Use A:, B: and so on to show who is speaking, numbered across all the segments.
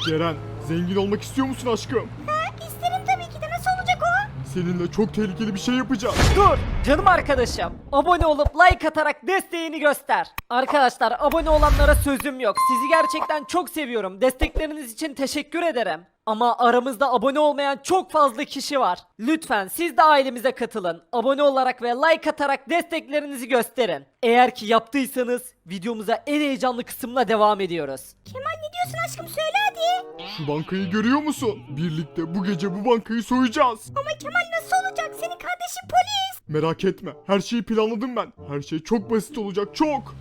A: Ceren, zengin olmak istiyor musun aşkım?
B: İsterim tabii ki de, nasıl olacak o?
A: Seninle çok tehlikeli bir şey yapacağız.
C: Dur canım arkadaşım. Abone olup like atarak desteğini göster. Arkadaşlar abone olanlara sözüm yok. Sizi gerçekten çok seviyorum. Destekleriniz için teşekkür ederim. Ama aramızda abone olmayan çok fazla kişi var. Lütfen siz de ailemize katılın. Abone olarak ve like atarak desteklerinizi gösterin. Eğer ki yaptıysanız videomuza en heyecanlı kısımla devam ediyoruz.
B: Kemal ne diyorsun aşkım, söyle hadi.
A: Şu bankayı görüyor musun? Birlikte bu gece bu bankayı soyacağız.
B: Ama Kemal nasıl olacak, senin kardeşin polis.
A: Merak etme, her şeyi planladım ben. Her şey çok basit olacak, çok.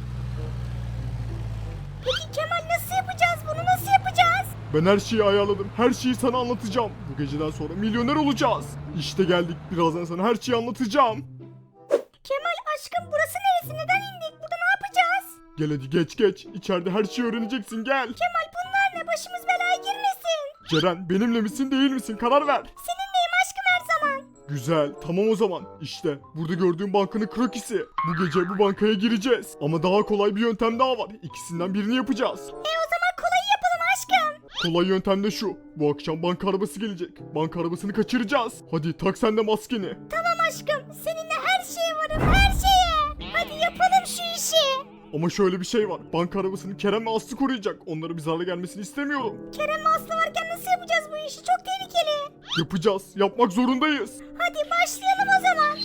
B: Peki Kemal nasıl yapacağız bunu, nasıl yapacağız?
A: Ben her şeyi ayarladım, her şeyi sana anlatacağım. Bu geceden sonra milyoner olacağız. İşte geldik, birazdan sana her şeyi anlatacağım.
B: Kemal aşkım burası neresi, neden indik, burada ne yapacağız?
A: Gel hadi geç, içeride her şeyi öğreneceksin, gel.
B: Kemal bunlar ne, başımız belaya girmesin.
A: Ceren, benimle misin değil misin, karar ver.
B: Seninleyim aşkım her zaman.
A: Güzel, tamam o zaman. İşte burada gördüğün bankanın krokisi. Bu gece bu bankaya gireceğiz. Ama daha kolay bir yöntem daha var. İkisinden birini yapacağız.
B: O zaman kolayı yapalım aşkım.
A: Kolay yöntem de şu. Bu akşam banka arabası gelecek. Banka arabasını kaçıracağız. Hadi tak sen de maskeni.
B: Tamam aşkım, seninle her şeye varım, her şeye. Hadi yapalım şu işi.
A: Ama şöyle bir şey var. Banka arabasını Kerem ve Aslı koruyacak. Onlara bir zarar gelmesini istemiyorum.
B: Kerem ve Aslı varken nasıl yapacağız bu işi, çok tehlikeli.
A: Yapacağız. Yapmak zorundayız.
B: Hadi başlayalım o zaman.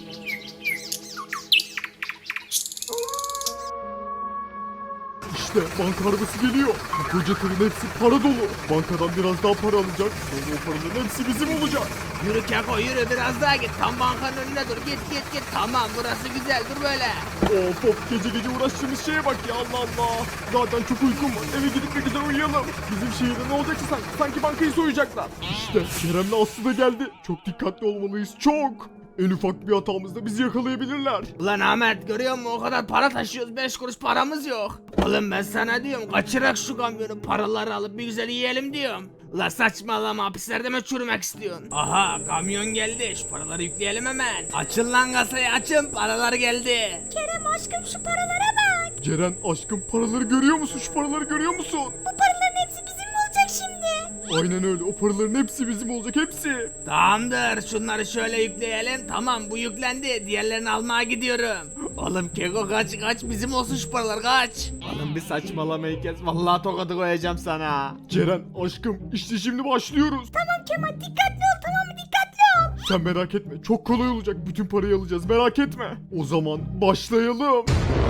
A: İşte banka arabası geliyor. Bu koca tırın hepsi para dolu. Bankadan biraz daha para alacak. Sonra o paraların hepsi bizim olacak.
D: Yürü Keko yürü biraz daha git. Tam bankanın önüne dur. Git. Tamam burası güzel dur böyle.
A: Of gece uğraştığımız şeye bak ya, Allah Allah. Zaten çok uykum var. Eve gidip bir güzel uyuyalım. Bizim şehirde ne olacaksa sanki bankayı soyacaklar. İşte Kerem'le Aslı da geldi. Çok dikkatli olmalıyız, çok. En ufak bir hatamızda bizi yakalayabilirler.
D: Ulan Ahmet görüyor musun o kadar para taşıyoruz 5 kuruş paramız yok. Oğlum ben sana diyorum kaçırak şu kamyonu paraları alıp bir güzel yiyelim diyorum. Ulan saçmalama, hapislerde mi çürümek istiyorsun? Aha kamyon geldi, şu paraları yükleyelim hemen. Açın lan kasayı açın, paralar geldi.
B: Kerem aşkım şu paralara bak.
A: Ceren aşkım, paraları görüyor musun? Şu paraları görüyor musun?
B: Bu paraların hepsi bizim mi olacak şimdi?
A: Aynen öyle, o paraların hepsi bizim olacak, hepsi.
D: Tamamdır, şunları şöyle yükleyelim. Tamam bu yüklendi, diğerlerini almaya gidiyorum. Oğlum Keko kaç bizim olsun şu paralar kaç.
E: Oğlum bir saçmalamayı kes. Vallahi tokadı koyacağım sana.
A: Ceren aşkım, işte şimdi başlıyoruz.
B: Tamam Kemal, dikkatli ol, tamam mı, dikkatli ol.
A: Sen merak etme, çok kolay olacak. Bütün parayı alacağız, merak etme. O zaman başlayalım.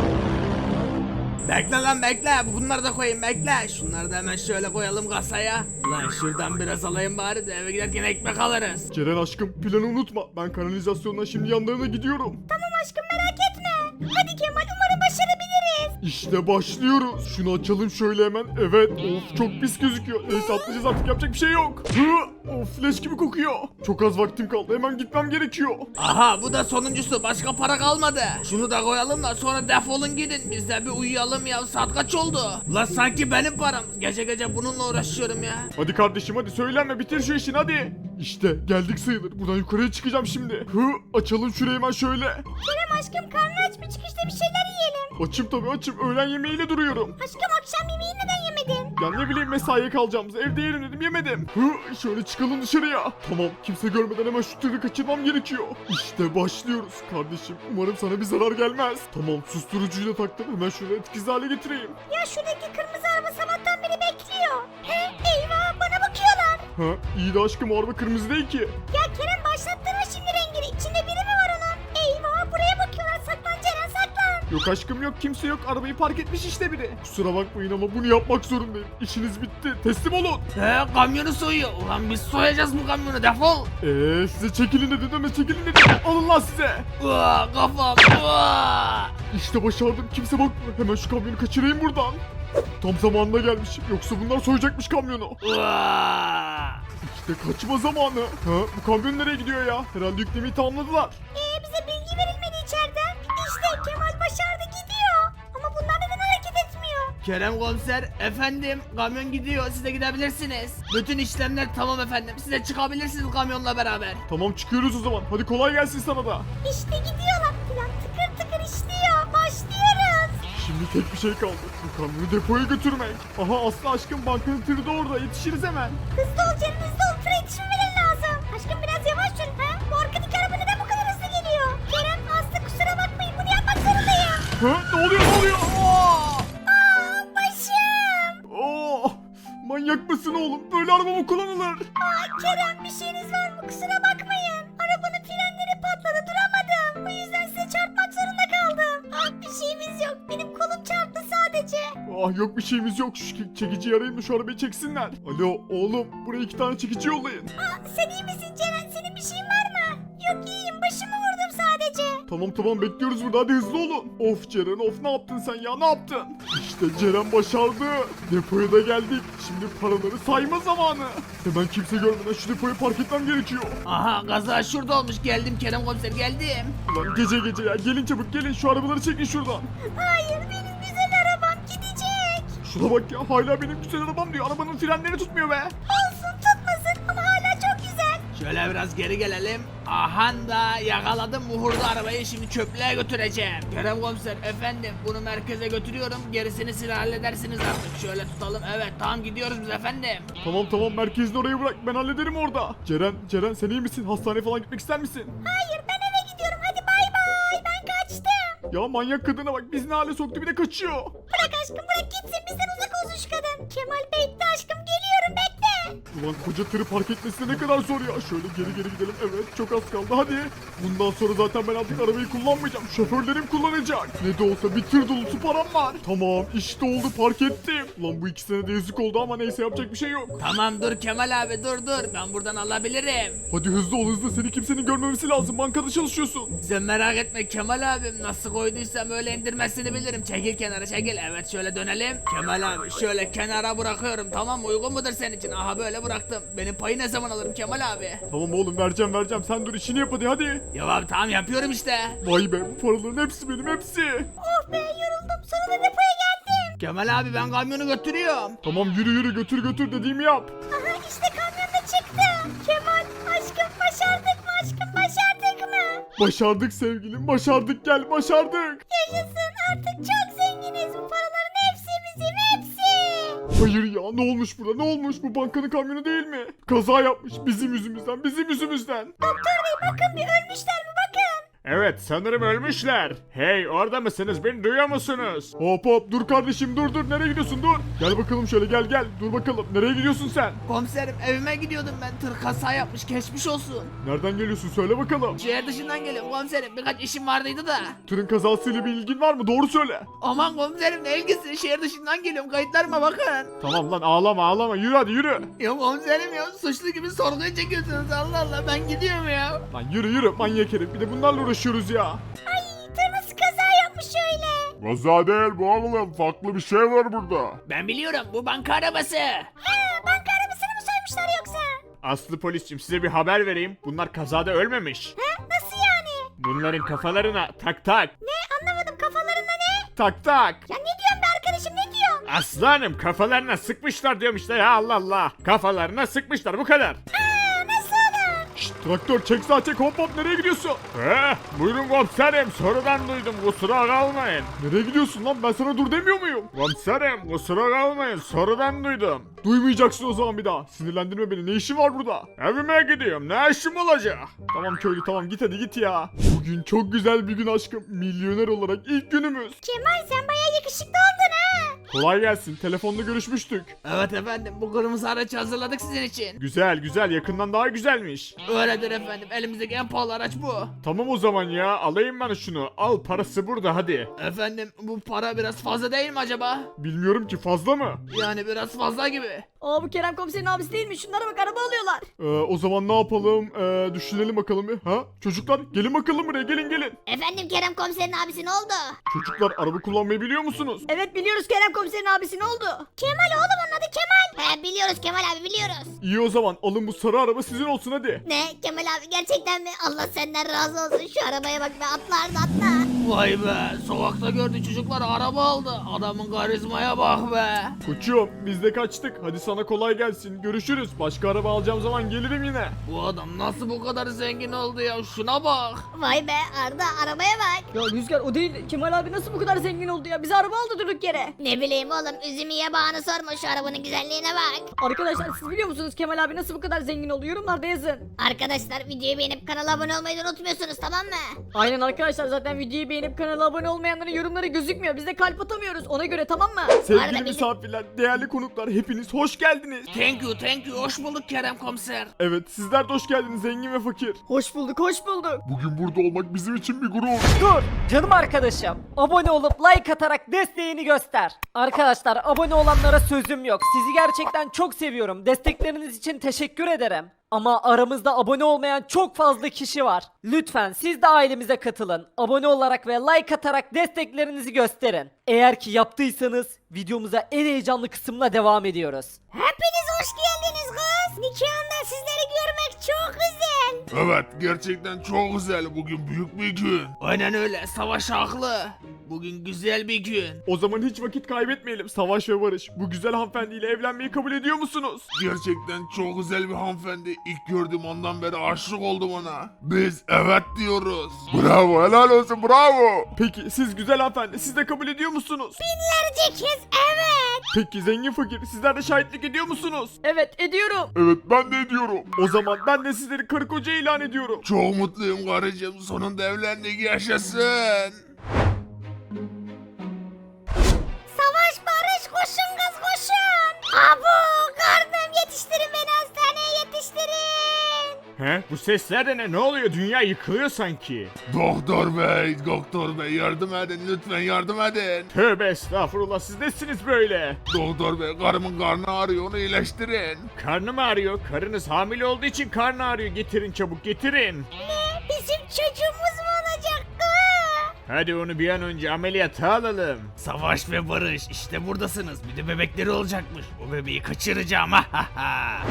D: Bekle lan bekle, bunları da koyayım bekle. Şunları da hemen şöyle koyalım kasaya. Lan şuradan biraz alayım bari de eve giderken ekmek alırız.
A: Ceren aşkım, planı unutma. Ben kanalizasyondan şimdi yanlarına gidiyorum.
B: Tamam aşkım, merak etme. Hadi Kemal, umarım başarabiliriz.
A: İşte başlıyoruz. Şunu açalım şöyle hemen. Evet. Of çok pis gözüküyor. Neyse atlayacağız artık, yapacak bir şey yok. Of leş gibi kokuyor. Çok az vaktim kaldı. Hemen gitmem gerekiyor.
D: Aha bu da sonuncusu, başka para kalmadı. Şunu da koyalım da sonra defolun gidin. Biz de bir uyuyalım ya, saat kaç oldu? Lan sanki benim param. Gece bununla uğraşıyorum ya.
A: Hadi kardeşim hadi, söylenme, bitir şu işini hadi. İşte geldik sayılır. Buradan yukarıya çıkacağım şimdi. Açalım şurayı hemen şöyle.
B: Kerem aşkım, karnı aç mı, çıkışta bir şeyler yiyelim.
A: Açım tabii açım. Öğlen yemeğiyle duruyorum.
B: Aşkım akşam yemeği neden yemedin?
A: Ya ne bileyim, mesaiye kalacağımız, evde yerim dedim, yemedim. Şöyle çıkalım dışarıya. Tamam, kimse görmeden hemen şu tırı kaçırmam gerekiyor. İşte başlıyoruz kardeşim. Umarım sana bir zarar gelmez. Tamam, susturucuyu da taktım. Hemen şöyle etkisiz hale getireyim.
B: Ya şuradaki kırmızı araba sabahtan beri bekliyor. Eyvah, bana bakıyorlar.
A: İyi de aşkım, o araba kırmızı değil ki.
B: Ya Kerem, başlattırma şimdi rengini. İçinde biri mi var onun? Eyvah, buraya bakıyorlar. Saklan Ceren, saklan.
A: Yok aşkım yok, kimse yok. Arabayı park etmiş işte biri. Kusura bakmayın ama bunu yapmak zorundayım. İşiniz bitti. Teslim olun.
D: Kamyonu soyuyor. Ulan biz soyacağız bu kamyonu, defol.
A: Size çekilin dedim ama çekilin dedim. Alın lan size.
D: Kafam.
A: İşte başardım. Kimse bakmıyor. Hemen şu kamyonu kaçırayım buradan. Tam zamanında gelmişim. Yoksa bunlar soyacakmış kamyonu. İşte kaçma zamanı. Bu kamyon nereye gidiyor ya? Herhalde yüklemeyi tamamladılar.
B: Bize bilgi verilmedi içeriden. İşte Kemal başardı, gidiyor. Ama bunlar neden hareket etmiyor?
D: Kerem komiser, efendim kamyon gidiyor, siz de gidebilirsiniz. Bütün işlemler tamam efendim, siz de çıkabilirsiniz kamyonla beraber.
A: Tamam, çıkıyoruz o zaman. Hadi kolay gelsin sana da.
B: İşte gidiyorlar. Plan tıkır tıkır işliyor. Başlıyoruz.
A: Şimdi tek bir şey kaldı. Bu kamyonu depoya götürmek. Aha Aslı aşkım bankanın tırı da orada. Yetişiriz hemen.
B: Hızlı ol Ceren hızlı ol. Tıra yetişmemeleri lazım. Aşkım biraz yavaş sür. Ha? Bu arkadaki araba neden bu kadar hızlı geliyor? Kerem Aslı kusura bakmayın bunu yapmak zorundayım.
A: Ha? Ne oluyor ne oluyor? Aa!
B: Başım.
A: Oh! Manyak mısın oğlum? Böyle araba mı kullanılır?
B: Kerem bir şeyiniz var mı? Kusura bakmayın. Arabanın frenleri patladı duramadım. Bu yüzden size çarpmak zorunda kaldım. Bir şeyimiz yok. Benim kolum çarptı sadece.
A: Ah yok bir şeyimiz yok. Şu çekiciyi arayayım da şu arabayı çeksinler. Alo oğlum buraya 2 tane çekici yollayın.
B: Sen iyi misin Ceren? Senin bir şeyin var mı? Yok iyiyim. Başımı vurdum sadece.
A: Tamam bekliyoruz burada hadi hızlı olun. Of Ceren of ne yaptın sen ya ne yaptın? İşte Ceren başardı. Depoya da geldik. Şimdi paraları sayma zamanı. Hemen kimse görmeden şu depoyu park etmem gerekiyor.
D: Aha kaza şurada olmuş. Geldim Kerem komiser geldim.
A: Ulan gece ya gelin çabuk gelin şu arabaları çekin şuradan.
B: Hayır benim güzel arabam gidecek.
A: Şuna bak ya hala benim güzel arabam diyor. Arabanın frenleri tutmuyor be.
B: Olsun tutmasın ama hala çok güzel.
D: Şöyle biraz geri gelelim. Aha da yakaladım muhurlu arabayı, şimdi çöplüğe götüreceğim. Kerem komiser efendim bunu merkeze götürüyorum, gerisini siz halledersiniz artık. Şöyle tutalım, evet tamam gidiyoruz biz efendim.
A: Tamam merkezini oraya bırak ben hallederim orada. Ceren sen iyi misin? Hastaneye falan gitmek ister misin?
B: Hayır ben eve gidiyorum hadi bay bay ben kaçtım.
A: Ya manyak kadına bak bizi ne hale soktu bir de kaçıyor.
B: Bırak aşkım bırak gitsin bizden uzak olsun şu kadın. Kemal bekle aşkım geliyorum bekle.
A: Ulan koca tırı park etmesi ne kadar zor ya. Şöyle geri gidelim. Evet çok az kaldı hadi. Bundan sonra zaten ben artık arabayı kullanmayacağım. Şoförlerim kullanacak. Ne de olsa bir tır dolusu param var. Tamam işte oldu park ettim. Ulan bu ikisine de yazık oldu ama neyse yapacak bir şey yok.
D: Tamam dur Kemal abi dur ben buradan alabilirim.
A: Hadi hızlı ol hızlı seni kimsenin görmemesi lazım. Bankada çalışıyorsun.
D: Sen merak etme Kemal abim, nasıl koyduysam öyle indirmesini bilirim. Çekil kenara çekil, evet şöyle dönelim. Kemal abi şöyle kenara bırakıyorum, tamam mı? Uygun mudur senin için? Aha böyle bıraktım. Benim payı ne zaman alırım Kemal abi?
A: Tamam oğlum vereceğim. Sen dur işini yap hadi.
D: Ya abi tamam yapıyorum işte.
A: Vay be bu paraların hepsi benim hepsi.
B: Oh be yoruldum sonunda depoya geldim.
D: Kemal abi ben kamyonu götürüyorum.
A: Tamam yürü götür dediğimi yap.
B: Aha işte kamyon da çıktı. Kemal aşkım başardık mı aşkım başardık mı?
A: Başardık sevgilim başardık gel başardık.
B: Yaşasın artık çok zenginiz. Bu paraların hepsi bizim hepsi.
A: Hayır ya ne olmuş burada ne olmuş bu bankanın kamyonu değil mi? Kaza yapmış bizim yüzümüzden.
B: Doktor bey bakın bir ölmüşler mi bakın.
A: Evet sanırım ölmüşler. Hey orada mısınız beni duyuyor musunuz? Hop dur kardeşim dur nereye gidiyorsun dur. Gel bakalım şöyle gel dur bakalım nereye gidiyorsun sen?
D: Komiserim evime gidiyordum ben, tır kaza yapmış, geçmiş olsun.
A: Nereden geliyorsun söyle bakalım.
D: Şehir dışından geliyorum komiserim, birkaç işim vardıydı da.
A: Tırın kazasıyla bir ilgin var mı doğru söyle.
D: Aman komiserim ne ilgisi, şehir dışından geliyorum, kayıtlarıma bakın.
A: Tamam lan ağlama yürü hadi yürü.
D: Ya komiserim ya, suçlu gibi sorguya çekiyorsunuz, Allah Allah ben gidiyorum ya.
A: Lan yürü manyak herif bir de bunlarla uğraşıyoruz ya.
B: Ay tır nasıl kaza yapmış öyle.
A: Kaza değil bu oğlum farklı bir şey var burada.
D: Ben biliyorum, bu banka arabası.
B: Ha banka arabasını mı soymuşlar yoksa?
A: Aslı polisçim size bir haber vereyim. Bunlar kazada ölmemiş.
B: Ha nasıl yani?
A: Bunların kafalarına tak.
B: Ne anlamadım kafalarında ne?
A: Tak.
B: Ya ne diyorsun be arkadaşım ne diyorsun?
A: Aslanım kafalarına sıkmışlar diyorum işte ya Allah. Kafalarına sıkmışlar bu kadar.
B: Aa nasıl olur?
A: Şşt traktör çek sağa çek hop nereye gidiyorsun? Buyurun komiserim sorudan duydum kusura kalmayın. Nereye gidiyorsun lan ben sana dur demiyor muyum? Komiserim kusura kalmayın sorudan duydum. Duymayacaksın o zaman bir daha. Sinirlendirme beni ne işin var burada? Evime gidiyorum ne işim olacak? Tamam köylü tamam git hadi git ya. Bugün çok güzel bir gün aşkım. Milyoner olarak ilk günümüz.
B: Kemal sen bayağı yakışıklı oldun ha.
A: Kolay gelsin telefonda görüşmüştük.
D: Evet efendim, bu kırmızı aracı hazırladık sizin için.
A: Güzel yakından daha güzelmiş.
D: Öyledir efendim, elimizdeki en pahalı araç bu.
A: Tamam o zaman ya alayım ben şunu. Al parası burada hadi.
D: Efendim bu para biraz fazla değil mi acaba?
A: Bilmiyorum ki fazla mı?
D: Yani biraz fazla gibi.
C: Aa bu Kerem komiserin abisi değil mi? Şunlara bak araba alıyorlar.
A: O zaman ne yapalım? Düşünelim bakalım bir. Ha? Çocuklar gelin bakalım buraya gelin.
B: Efendim Kerem komiserin abisi ne oldu?
A: Çocuklar araba kullanmayı biliyor musunuz?
C: Evet biliyoruz Kerem komiserin abisi ne oldu?
B: Kemal oğlum onun adı Kemal. He biliyoruz Kemal abi biliyoruz.
A: İyi o zaman alın bu sarı araba sizin olsun hadi.
B: Ne Kemal abi gerçekten mi? Allah senden razı olsun şu arabaya bak be atla atla.
D: Vay be, sokakta gördü çocuklar araba aldı. Adamın karizmaya bak be.
A: Koçum biz de kaçtık. Hadi sana kolay gelsin. Görüşürüz. Başka araba alacağım zaman gelirim yine.
D: Bu adam nasıl bu kadar zengin oldu ya, şuna bak.
B: Vay be Arda arabaya bak.
C: Ya Rüzgar o değil. Kemal abi nasıl bu kadar zengin oldu ya? Bize araba aldı durduk yere.
B: Ne bileyim oğlum üzümü yabağını sorma şu arabanın güzelliğine bak.
C: Arkadaşlar siz biliyor musunuz Kemal abi nasıl bu kadar zengin oldu? Yorumlarda yazın.
B: Arkadaşlar videoyu beğenip kanala abone olmayı da unutmuyorsunuz tamam mı?
C: Aynen arkadaşlar zaten videoyu beğenip kanala abone olmayanların yorumları gözükmüyor. Biz de kalp atamıyoruz. Ona göre tamam mı?
A: Sevgili
B: Arada bir-
A: misafirler, değerli konuklar hepiniz hoş geldiniz.
D: Thank you, hoş bulduk Kerem komiser.
A: Evet sizler de hoş geldiniz zengin ve fakir.
C: Hoş bulduk hoş bulduk.
A: Bugün burada olmak bizim için bir gurur.
C: Dur canım arkadaşım. Abone olup like atarak desteğini göster. Arkadaşlar abone olanlara sözüm yok. Sizi gerçekten çok seviyorum. Destekleriniz için teşekkür ederim. Ama aramızda abone olmayan çok fazla kişi var. Lütfen siz de ailemize katılın. Abone olarak ve like atarak desteklerinizi gösterin. Eğer ki yaptıysanız videomuza en heyecanlı kısımla devam ediyoruz.
B: Hepiniz hoş geldiniz kız. Nikahında sizleri görmek çok güzel.
F: Evet gerçekten çok güzel bugün büyük bir gün.
D: Aynen öyle, Savaş haklı. Bugün güzel bir gün.
A: O zaman hiç vakit kaybetmeyelim. Savaş ve Barış, bu güzel hanımefendiyle evlenmeyi kabul ediyor musunuz?
F: Gerçekten çok güzel bir hanımefendi. İlk gördüğüm andan beri aşık oldum ona. Biz evet diyoruz. Bravo helal olsun bravo.
A: Peki siz güzel hanımefendi, siz de kabul ediyor musunuz?
B: Binlerce kez evet.
A: Peki zengin fakir, sizler de şahitlik ediyor musunuz?
C: Evet ediyorum.
F: Evet ben de ediyorum.
A: O zaman ben de sizleri karı koca ilan ediyorum.
F: Çok mutluyum karıcığım sonunda evlendik yaşasın.
B: Savaş barış koşun kız koşun. Abu karnım yetiştirin beni hastaneye yetiştirin.
A: He? Bu sesler de ne? Ne oluyor? Dünya yıkılıyor sanki.
F: Doktor bey yardım edin lütfen yardım edin.
A: Tövbe estağfurullah, siz nesiniz böyle?
F: Doktor bey karımın karnı ağrıyor onu iyileştirin.
A: Karnım ağrıyor. Karınız hamile olduğu için karnı ağrıyor. Getirin çabuk getirin.
B: Bizim çocuğumuz mu olacak kız?
A: Hadi onu bir an önce ameliyata alalım.
D: Savaş ve Barış, işte buradasınız. Bir de bebekleri olacakmış. O bebeği kaçıracağım. Ha ha ha.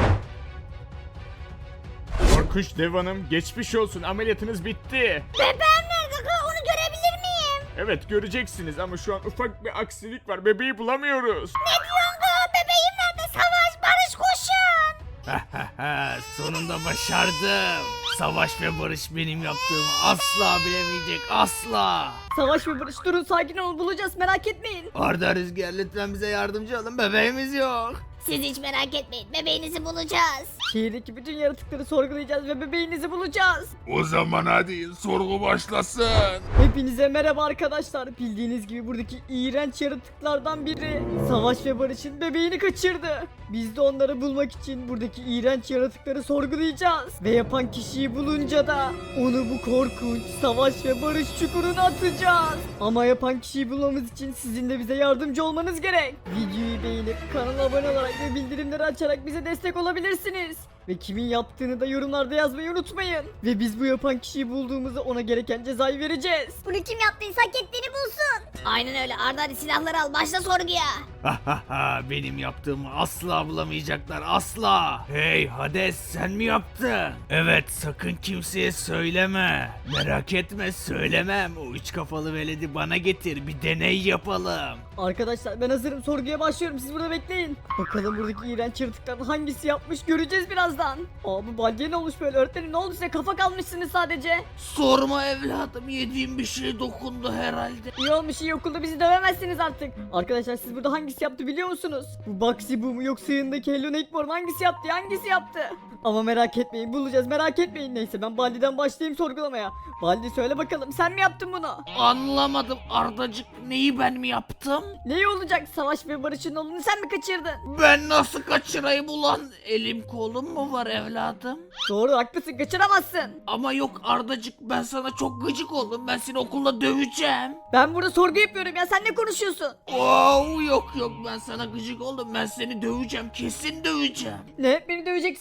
A: Korkunç Dev Hanım, geçmiş olsun, ameliyatınız bitti.
B: Bebeğim nerede kız onu görebilir miyim?
A: Evet göreceksiniz ama şu an ufak bir aksilik var. Bebeği bulamıyoruz.
B: Ne diyorsun kız bebeğim nerede? Savaş barış koşun.
D: Ha ha ha, sonunda başardım. Savaş ve Barış benim yaptığımı asla bilemeyecek, asla.
C: Savaş ve Barış durun sakin olun bulacağız merak etmeyin.
D: Arda Rüzgar lütfen bize yardımcı olun, bebeğimiz yok.
B: Siz hiç merak etmeyin bebeğinizi bulacağız.
C: Şehirdeki bütün yaratıkları sorgulayacağız ve bebeğinizi bulacağız.
F: O zaman hadi sorgu başlasın.
C: Hepinize merhaba arkadaşlar. Bildiğiniz gibi buradaki iğrenç yaratıklardan biri Savaş ve Barış'ın bebeğini kaçırdı. Biz de onları bulmak için buradaki iğrenç yaratıkları sorgulayacağız. Ve yapan kişiyi bulunca da onu bu korkunç Savaş ve Barış çukuruna atacağız. Ama yapan kişiyi bulmamız için sizin de bize yardımcı olmanız gerek. Videoyu beğenip kanala abone olarak ve bildirimleri açarak bize destek olabilirsiniz. Ve kimin yaptığını da yorumlarda yazmayı unutmayın. Ve biz bu yapan kişiyi bulduğumuzda ona gereken cezayı vereceğiz.
B: Bunu kim yaptıysa hak ettiğini bulsun. Aynen öyle Arda hadi silahları al başla sorguya.
D: Ha ha ha, benim yaptığımı asla bulamayacaklar, asla. Hey Hades, sen mi yaptın? Evet, sakın kimseye söyleme. Merak etme, söylemem. O üç kafalı veledi bana getir, bir deney yapalım.
C: Arkadaşlar ben hazırım sorguya başlıyorum siz burada bekleyin. Bakalım buradaki iğrenç yaratıklardan hangisi yapmış göreceğiz birazdan. Aa bu baldiye ne olmuş böyle öğretmenim ne oldu size kafa kalmışsınız sadece.
D: Sorma evladım, yediğim bir şey dokundu herhalde.
C: İyi olmuş iyi okulda bizi dövemezsiniz artık. Arkadaşlar siz burada hangisi yaptı biliyor musunuz? Bu Bugsy bu mu yoksa yanındaki Hello Neighbor mu hangisi yaptı hangisi yaptı? Ama merak etmeyin bulacağız merak etmeyin. Neyse ben Baldi'den başlayayım sorgulamaya. Baldi söyle bakalım sen mi yaptın bunu?
D: Anlamadım Ardacık, neyi ben mi yaptım?
C: Ne olacak Savaş ve Barış'ın oğlunu sen mi kaçırdın?
D: Ben nasıl kaçırayım ulan? Elim kolum mu var evladım?
C: Doğru haklısın kaçıramazsın.
D: Ama yok Ardacık, ben sana çok gıcık oldum. Ben seni okulda döveceğim.
C: Ben burada sorgu yapıyorum ya sen ne konuşuyorsun?
D: Yok ben sana gıcık oldum. Ben seni döveceğim, kesin döveceğim.
C: Ne beni döveceksin öyle mi? O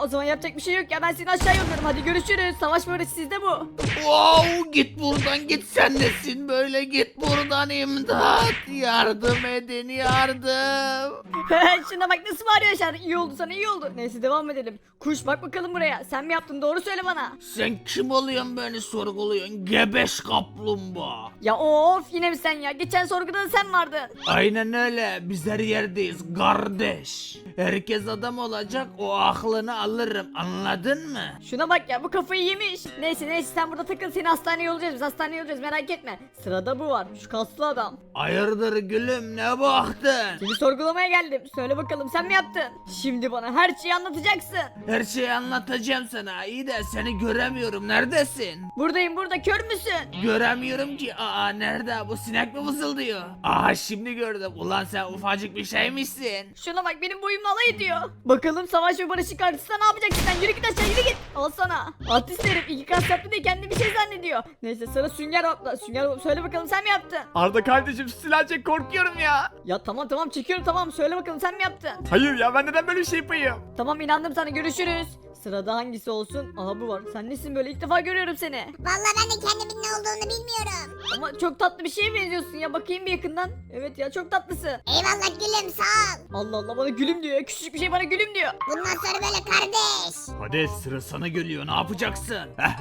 G: zaman yapacak bir şey yok ya. Ben seni aşağı yolluyorum. Hadi görüşürüz. Savaş barış sizde bu.
D: Wow, git buradan git, sen nesin böyle, git buradan, imdat, yardım edin, yardım.
G: Şuna bak nasıl bağırıyor aşağıda. İyi oldu sana, iyi oldu. Neyse devam edelim. Kuş bak bakalım buraya. Sen mi yaptın? Doğru söyle bana.
D: Sen kim oluyorsun beni sorguluyorsun, gebeş kaplumbağa?
G: Ya of yine mi sen ya? Geçen sorguda da sen vardın.
D: Aynen öyle, biz her yerdeyiz kardeş. Herkes adam olacak, o aklını alırım, anladın mı?
G: Şuna bak ya bu kafayı yemiş. Neyse sen burada takıl, seni hastaneye yollayacağız. Biz hastaneye yollayacağız, merak etme. Sırada bu var, şu kaslı adam.
D: Hayırdır gülüm, ne baktın?
G: Seni sorgulamaya geldim. Söyle bakalım sen mi yaptın? Şimdi bana her şeyi anlatacaksın.
D: Her şeyi anlatacağım sana, iyi de seni göremiyorum, neredesin?
G: Buradayım burada, kör müsün?
D: Göremiyorum ki. Aa, nerede? Bu sinek mi vızıldıyor? Aha, şimdi gördüm. Ulan sen ufacık bir şeymişsin.
G: Şuna bak benim boyumla alay ediyor. Bakalım savaş ve barışın karşısında ne yapacaksın sen? Yürü git aşağı, yürü git. Al sana. Artist herif, iki kas yaptı diye kendi bir şey zannediyor. Neyse sıra Sünger Bob'da. Sünger Bob söyle bakalım sen mi yaptın?
E: Arda kardeşim silah çek, korkuyorum ya.
G: Ya tamam çekiyorum, tamam söyle bakalım sen mi yaptın?
E: Hayır ya, ben neden böyle bir şey yapayım?
G: Tamam inandım sana, görüşürüz. Sırada hangisi olsun? Aha bu var. Sen nesin böyle? İlk defa görüyorum seni.
B: Vallahi ben de kendimin ne olduğunu bilmiyorum.
G: Ama çok tatlı bir şeye benziyorsun ya. Bakayım bir yakından. Evet ya çok tatlısın.
B: Eyvallah gülüm sağ ol.
G: Allah Allah bana gülüm diyor ya. Küçücük bir şey bana gülüm diyor.
B: Bundan sonra böyle kardeş.
D: Hadi sıra sana geliyor, ne yapacaksın?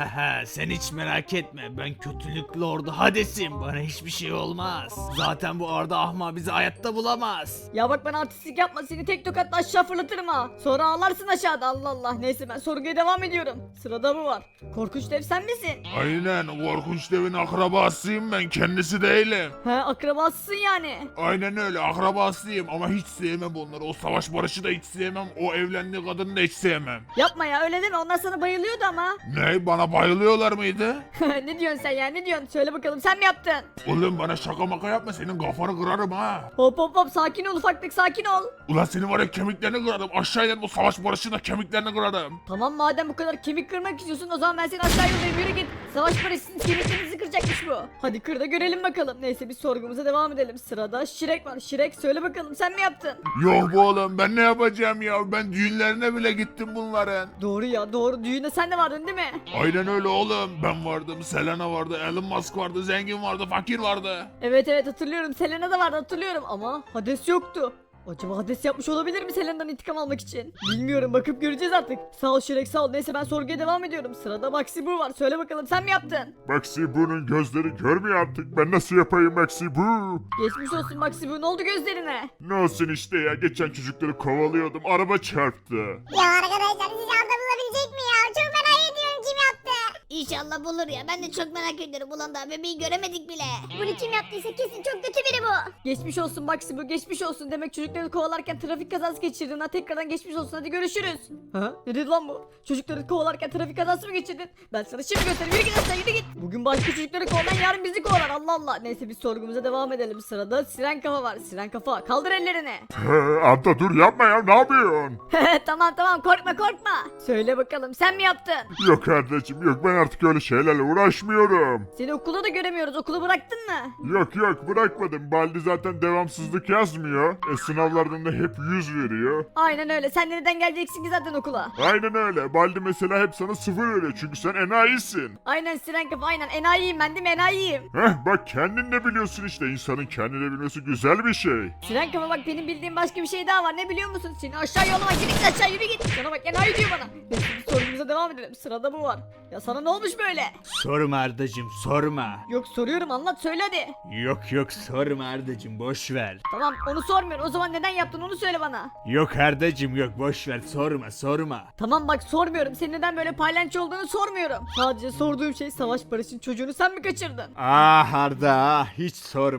D: Sen hiç merak etme, ben kötülüklü ordu Hades'im, bana hiçbir şey olmaz. Zaten bu Arda ahma bizi hayatta bulamaz.
G: Ya bak bana artistlik yapma. Seni tek tokatla aşağı fırlatırım ha. Sonra ağlarsın aşağıda. Allah Allah. Neyse ben sorguya devam ediyorum. Sırada bu var. Korkunç dev sen misin?
F: Aynen, korkunç devin akrabasıyım ben, kendisi değilim.
G: He akrabasısın yani.
F: Aynen öyle, akrabasıyım ama hiç sevmem onları. O savaş barışı da hiç sevmem, o evlendiği kadını da hiç sevmem.
G: Yapma ya öyle deme. Onlar sana bayılıyordu ama.
F: Ne, bana bayılıyorlar mıydı?
G: Ne diyorsun sen ya, ne diyorsun? Söyle bakalım sen mi yaptın?
F: Oğlum bana şaka maka yapma, senin kafanı kırarım ha.
G: Hop sakin ol ufaklık, sakin ol.
F: Ulan senin var ya kemiklerini kırarım, aşağıya bu savaş barışında kemiklerini kırarım.
G: Tamam madem bu kadar kemik kırmak istiyorsun o zaman ben seni aşağı yollayayım, yürü git. Savaş barışsın, kemiklerinizi kıracakmış bu. Hadi kır da görelim bakalım. Neyse biz sorgumuza devam edelim. Sırada Şirek var. Şirek söyle bakalım sen mi yaptın?
F: Yok bu oğlum, ben ne yapacağım ya, ben düğünlerine bile gittim bunların.
G: Doğru ya doğru, düğünde sen de vardın değil mi?
F: Aynen öyle oğlum, ben vardım, Selena vardı, Elon Musk vardı, zengin vardı, fakir vardı.
G: Evet hatırlıyorum, Selena da vardı hatırlıyorum ama Hades yoktu. Acaba Hades yapmış olabilir mi Selena'dan intikam almak için? Bilmiyorum, bakıp göreceğiz artık. Sağ ol Şirek sağ ol. Neyse ben sorguya devam ediyorum. Sırada Maxi Bu var. Söyle bakalım sen mi yaptın?
F: Maxi Bu'nun gözleri görmüyor artık, ben nasıl yapayım Maxi Bu?
G: Geçmiş olsun Maxi Bu, ne oldu gözlerine?
F: Ne olsun işte ya, geçen çocukları kovalıyordum, araba çarptı.
B: Ya arkadaşlar siz Arda bulabilecek mi ya? Çok merak ediyorum kim yaptı. İnşallah bulur ya. Ben de çok merak ediyorum. Ulan daha bebeği göremedik bile. Bunu kim yaptıysa kesin çok kötü biri bu.
G: Geçmiş olsun Maxi Bu, geçmiş olsun. Demek çocukları kovalarken trafik kazası geçirdin ha. Tekrardan geçmiş olsun, hadi görüşürüz. Ha? Ne dedi lan bu? Çocukları kovalarken trafik kazası mı geçirdin? Ben sana şimdi göstereyim, yürü git aşağı, yürü git. Bugün başka çocukları kovalayan yarın bizi kovalar, Allah Allah. Neyse biz sorgumuza devam edelim. Sırada Siren Kafa var. Siren Kafa kaldır ellerini.
F: Arda dur yapma ya, ne yapıyorsun?
G: Tamam korkma. Söyle bakalım sen mi yaptın?
F: Yok kardeşim yok, ben artık öyle şeylerle uğraşmıyorum.
G: Seni okulda da göremiyoruz, okulu bıraktın mı?
F: Yok bırakmadım, Baldi zaten devamsızlık yazmıyor. Sınavlardan da hep 100 veriyor.
G: Aynen öyle, sen de neden geleceksin ki zaten okula?
F: Aynen öyle, Baldi mesela hep sana 0 veriyor çünkü sen enayisin.
G: Aynen Siren Kafa, aynen enayiyim ben değil mi, enayiyim.
F: Bak kendin de biliyorsun işte, insanın kendini bilmesi güzel bir şey.
G: Siren Kafa bak benim bildiğim başka bir şey daha var, ne biliyor musun? Seni aşağı yollama, git aşağı, yürü git. Sana bak enayi diyor bana. Neyse biz sorumuza devam edelim, sırada bu var. Ya sana ne olmuş böyle?
E: Sorma Ardacım, sorma.
G: Yok soruyorum, anlat söyle hadi.
E: Yok sorma Ardacım, boş ver.
G: Tamam onu sormuyorum, o zaman neden yaptın onu söyle bana.
E: Yok Ardacım yok, boş ver, sorma.
G: Tamam bak sormuyorum, senin neden böyle paylaşçı olduğunu sormuyorum. Sadece sorduğum şey Savaş Barış'ın çocuğunu sen mi kaçırdın?
E: Ah Arda, hiç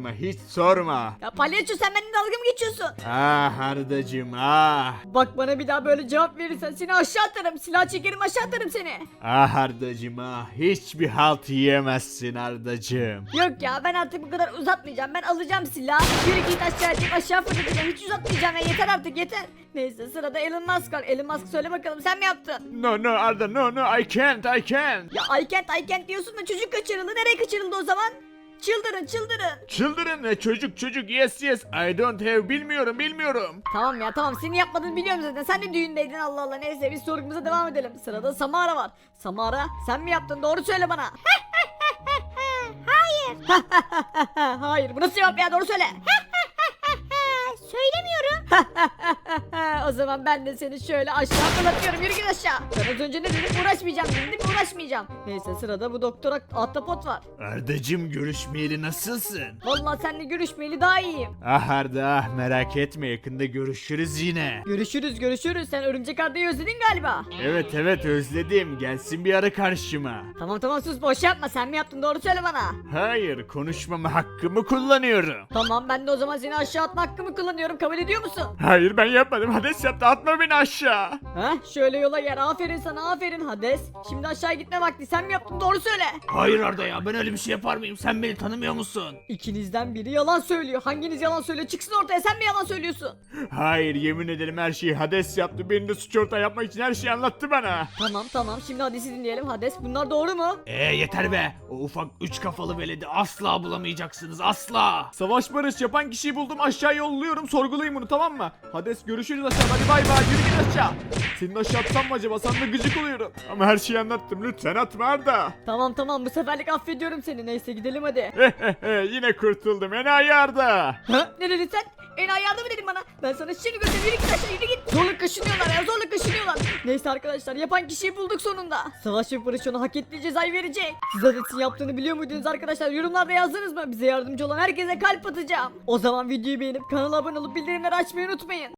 E: sorma.
G: Ya palyaço sen benimle dalga mı geçiyorsun?
E: Ah Ardacım, ah.
G: Bak bana bir daha böyle cevap verirsen seni aşağı atarım, silah çekerim aşağı atarım seni.
E: Ah Ardacım, ah. Hiçbir halt yiyemezsin Ardacım.
G: Yok ya ben artık bu kadar uzatmayacağım, ben alacağım silahı. Yürü git aşağı atayım, aşağı fırlatacağım, hiç uzatmayacağım ya, yeter artık yeter. Neyse sırada Elon Musk var. Elon Musk söyle bakalım sen mi yaptın?
E: No Arda, no I can't.
G: Ya I can't diyorsun da çocuk kaçırıldı, nereye kaçırıldı o zaman? Çıldırın çıldırın.
E: Çıldırın ne çocuk yes I don't have bilmiyorum.
G: Tamam ya tamam senin yapmadığını biliyorum zaten. Sen de düğündeydin Allah Allah. Neyse biz sorgumuza devam edelim. Sırada Samara var. Samara sen mi yaptın? Doğru söyle bana.
B: Hayır.
G: Hayır bu nasıl cevap ya doğru söyle.
B: Söylemiyorum.
G: O zaman ben de seni şöyle aşağı fırlatıyorum. Yürü git aşağı. Ben az önce ne dedim? Uğraşmayacağım dedim değil mi? Uğraşmayacağım. Neyse sırada bu doktora Ahtapot var.
E: Ardacım görüşmeyeli nasılsın?
G: Vallahi seninle görüşmeyeli daha iyiyim.
E: Ah Arda merak etme yakında görüşürüz yine.
G: Görüşürüz. Sen örümcek Arda'yı özledin galiba.
E: Evet özledim gelsin bir ara karşıma.
G: Tamam sus boş yapma. Sen mi yaptın? Doğru söyle bana.
E: Hayır konuşmama hakkımı kullanıyorum.
G: Tamam ben de o zaman seni aşağı atma hakkımı kullanıyorum. Kabul ediyor musun?
E: Hayır ben yapmadım Hades yaptı atma beni aşağı.
G: Şöyle yola gel. Aferin sana aferin Hades. Şimdi aşağı gitme vakti. Sen mi yaptın? Doğru söyle.
D: Hayır Arda ya ben öyle bir şey yapar mıyım? Sen beni tanımıyor musun?
G: İkinizden biri yalan söylüyor. Hanginiz yalan söylüyor? Çıksın ortaya. Sen mi yalan söylüyorsun?
E: Hayır yemin ederim her şeyi Hades yaptı beni de suç ortağı yapmak için her şeyi anlattı bana.
G: Tamam. Şimdi Hades'i dinleyelim. Hades bunlar doğru mu?
D: Yeter be. O ufak 3 kafalı veledi asla bulamayacaksınız asla.
A: Savaş barış yapan kişiyi buldum aşağı yolluyorum sorgulayın bunu tamam mı? Hades görüşürüz aşağı hadi bay bay yürü git aşağı. Senin aşağı atsam mı acaba sana da gıcık oluyorum.
E: Ama her şeyi anlattım lütfen atma Arda.
G: Tamam bu seferlik affediyorum seni. Neyse gidelim hadi.
E: Yine kurtuldum enayi Arda.
G: Ne dedin sen? Enayi yardım dedin bana. Ben sana şimdi göstereyim. Yürü git aşağı yürü git. Zorla kaşınıyorlar. Neyse arkadaşlar yapan kişiyi bulduk sonunda. Savaş ve Barış ona hak ettiği cezayı verecek. Siz Hades'in yaptığını biliyor muydunuz arkadaşlar? Yorumlarda yazdınız mı? Bize yardımcı olan herkese kalp atacağım. O zaman videoyu beğenip kanala abone olup bildirimleri açmayı unutmayın.